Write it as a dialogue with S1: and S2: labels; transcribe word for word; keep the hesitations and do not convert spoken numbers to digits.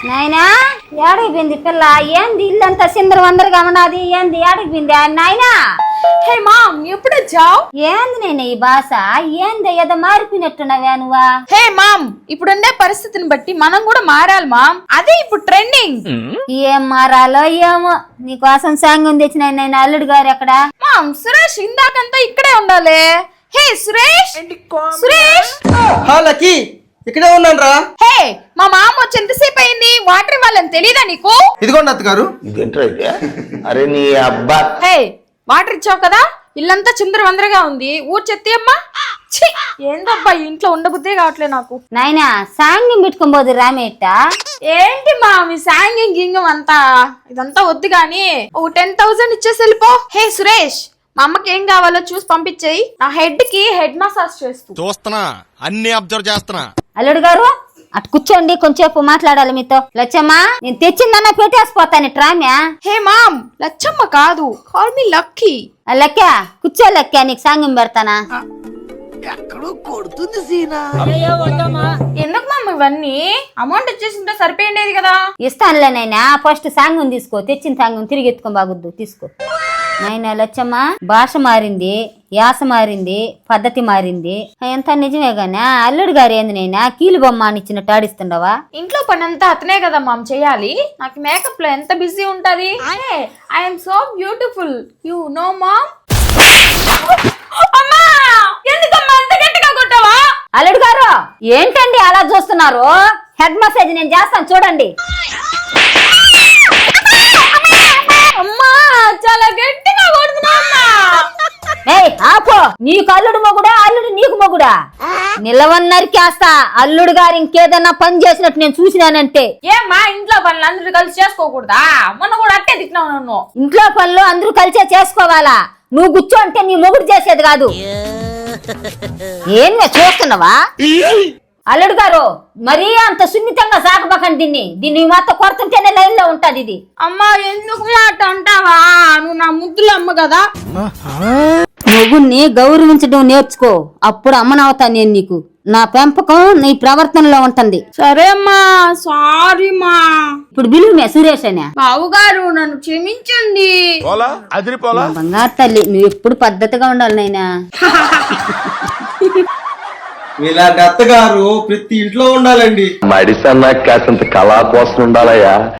S1: నాయనా ఏడికి పోయింది పిల్ల? ఏంది ఇల్లంతా సిందర వందరగా ఉన్నది? ఏంది ఏడికి పోయింది నాయనా?
S2: హే మామ్ ఎప్పుడు వచ్చావు?
S1: ఏంది నేను ఈ భాష? ఏంది ఏదో మారిపోయినట్టున్నావా నువ్వా?
S2: హే మామ్ ఇప్పుడుండే పరిస్థితిని బట్టి మనం కూడా మారాలి మామ్, అదే ఇప్పుడు ట్రెండింగ్.
S1: ఏం మారాలో ఏమో. నీకోసం సాంగం తెచ్చిన నేను అల్లుడు గారు ఎక్కడ?
S2: మామ్ సురేష్ ఇందాకంతా ఇక్కడే ఉండాలి. హే సురేష్ సురేష్
S3: లక్కీ ఇక్కడే ఉన్నాను రా.
S2: హే మా మామ వచ్చి ఎంతసేపు అయింది? వాటర్ ఇవ్వాలని తెలీదా నీకు?
S3: ఇదిగోండి అత్తగారు.
S4: అరే నీ అబ్బా.
S2: హే వాటర్ ఇచ్చావు కదా, ఇల్లంతా చిందర వందరగా ఉంది. ఊరు చెత్తి అమ్మా. ఛీ, ఏందబ్బా ఇంట్లో ఉండబుద్దే కావట్లే నాకు.
S1: నాయనా సాంగం పెట్టుకొని పోదు రామేట.
S2: ఏంటి మా మీ సాంగింగ్ గింగం అంతా ఇదంతా వద్దు గాని ఓ టెన్ థౌసండ్ ఇచ్చేసి వెళ్ళిపో. హే సురేష్ మా అమ్మకి ఏం కావాలో చూసి పంపించేయి. నా హెడ్ కి హెడ్ మసాజ్ చేస్తూ
S5: చూస్తున్నా, అన్ని అబ్జర్వ్ చేస్తున్నా.
S1: అల్లుడు గారు అటు కూర్చోండి, కొంచెంసేపు మాట్లాడాలి మీతో. లచ్చమ్మా నేను తెచ్చిందన్న పెట్టేసిపోతాను ట్రామ్యా.
S2: హే మామ్ లచ్చమ్మ కాదు, కాల్ మీ లక్కీ.
S1: లెక్క కూర్చో లెక్క, నీకు సాంగం పెడతానా?
S2: ఎందుకు మామ్ ఇవన్నీ? అమౌంట్ వచ్చేసింటే సరిపోయిండేది కదా.
S1: ఇస్తానులే నాయనా, ఫస్ట్ సాంగం తీసుకో. తెచ్చిన సాంగం తిరిగి ఎత్తుకొని బాగుద్దు, తీసుకో. నాయన లచ్చమ్మ భాష మారింది, యాస మారింది, పద్ధతి మారింది. ఎంత నిజమే గానీ అల్లుడు గారు ఏంది నైనా కీలు బొమ్మ అని ఇచ్చినట్టు ఆడిస్తుండవా?
S2: ఇంట్లో పని అంతా అతనే కదా మామ్ చేయాలి. నాకు మేకప్ లో ఎంత బిజీ ఉంటది. I'm so beautiful you know mom. అమ్మా ఎందుకమ్మా అంత గట్టిగా కొట్టావా?
S1: అల్లుడు గారు ఏంటండి అలా చూస్తున్నారు? హెడ్ మసాజ్ నేను చేస్తాను చూడండి.
S2: అమ్మా చాలా గట్టిగా కొడుతున్నా.
S1: ఏయ్ ఆపో, నీకు అల్లుడు మొగుడా, అల్లుడు నీకు మొగుడా? నిలవన్నరికేస్తా. అల్లుడు గారు ఇంకేదన్నా పని చేసినట్టు నేను చూసినానంటే.
S2: ఏమ్మా ఇంట్లో పనులు అందరూ కలిసి చేసుకోకూడదా? మొన్న కూడా అట్టే తిట్టినావు నన్ను.
S1: ఇంట్లో పనులు అందరూ కలిసే చేసుకోవాలా? నువ్వు కూర్చో అంటే నీ మొగుడు చేసేది కాదు. ఏం చూస్తున్నావా? అల్లుడు గారు మరీ అంత సున్నితంగా సాగబకండి దీన్ని. దీన్ని మాత్రం కొడుతుంటేనే లైన్ లో ఉంటది ఇది.
S2: అమ్మా ఎందుకు మాట అంటావా? నువ్వు నా ముద్దులు అమ్మ కదా.
S1: మొగుణ్ణి గౌరవించడం నేర్చుకో, అప్పుడు అమ్మనవుతా నేను నీకు. నా పెంపకం నీ ప్రవర్తనలో ఉంటుంది.
S2: సరే అమ్మా, సారీ మా.
S1: ఇప్పుడు బిలుమే సురేష్ అనే.
S2: బావు గారు నన్ను క్షమించండి.
S1: బంగారు తల్లి, నువ్వు ఎప్పుడు పద్ధతిగా ఉండాలి నాయనా.
S3: ఇలాంటి అత్తగారు ప్రతి ఇంట్లో ఉండాలండి.
S4: మడిసన్నా కాసంత కళా కోసం ఉండాలయ్యా.